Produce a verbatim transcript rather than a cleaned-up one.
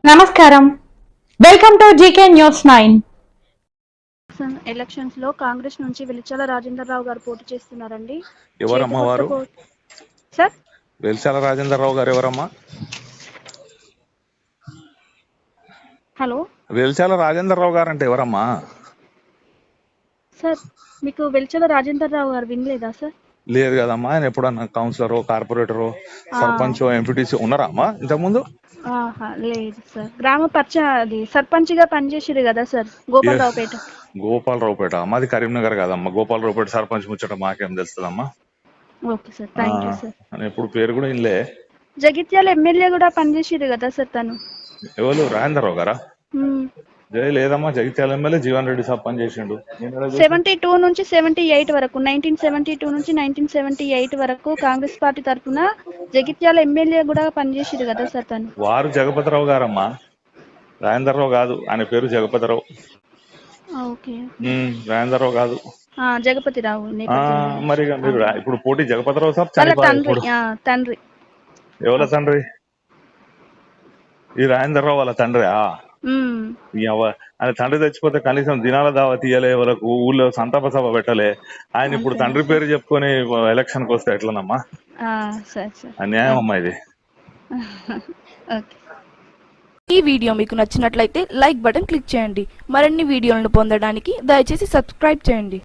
నమస్కారం, welcome to GK news nine. Elections లో కాంగ్రెస్ నుంచి వెలిచాల రాజేందర్ రావు గారు పోటీ చేస్తున్నారండి. ఎవరమ్మా వారు? సార్, వెలిచాల రాజేందర్ రావు గారు ఎవరమ్మా? హలో, వెలిచాల రాజేందర్ రావు గారు అంటే ఎవరమ్మా? సార్, మీకు వెలిచాల రాజేందర్ రావు గారు వినలేదా సార్? లేదు కదమ్మా. ఆయన ఎప్పుడన్నా కౌన్సిలర్, కార్పొరేటర్, సర్పంచ్, ఎంపీటీసీ ఉన్నారా అమ్మా ఇంతకుముందు? లేదు సార్, గ్రామ పరిచ అది సర్పంచ్ గా పనిచేసారు కదా సార్, గోపాలరావుపేట. గోపాలరావుపేట మాది కరీంనగర్ కదమ్మా. గోపాలరావుపేట సర్పంచ్ ముచ్చట మాకేం తెలుస్తుందమ్మా. Okay sir, thank you sir. అని ఎప్పుడు పేరు కూడా ఇన్లే. జగిత్యాల ఎమ్మెల్యే కూడా పనిచేసారు కదా సార్ తను. ఎవరు? రాజేందర్ రావు గారా? జై లేదమ్మా, జగిత్యాల ఎమ్మెల్యే జీవన్ రెడ్డి సాబ్ పని చేసిండు. సెవెంటీ టూ నుంచి సెవెంటీ ఎయిట్ వరకు నైన్టీన్ సెవెంటీ టూ నుంచి నైన్టీన్ సెవెంటీ ఎయిట్ వరకు కాంగ్రెస్ పార్టీ తరఫున జగిత్యాల ఎమ్మెల్యే కూడా పనిచేసారు కదా సార్ తను. వారు జగపతిరావు గారమ్మా, రాజేందర్ రావు కాదు. ఆయన పేరు జగపతిరావు. ఓకే, రాజేందర్ రావు కాదు, జగపతిరావు. మరి మీరు ఇప్పుడు పోటీ జగపతిరావు సాబ్ తండ్రి తండ్రి ఎవరి తండ్రి? ఈ రాజేందర్ రావు వాళ్ళ తండ్రి. ఆయన తండ్రి తెచ్చిపోతే కనీసం దినాల దావా తీయలే, వాళ్ళకు ఊళ్ళో సంతాప సభ పెట్టలే. ఆయన ఇప్పుడు తండ్రి పేరు చెప్పుకొని ఎలక్షన్ కి వస్తే ఎట్లనమ్మా? అన్యాయం అమ్మా ఇది. ఈ వీడియో మీకు నచ్చినట్లయితే లైక్ బటన్ క్లిక్ చేయండి. మరిన్ని వీడియోలను పొందడానికి దయచేసి సబ్స్క్రైబ్ చేయండి.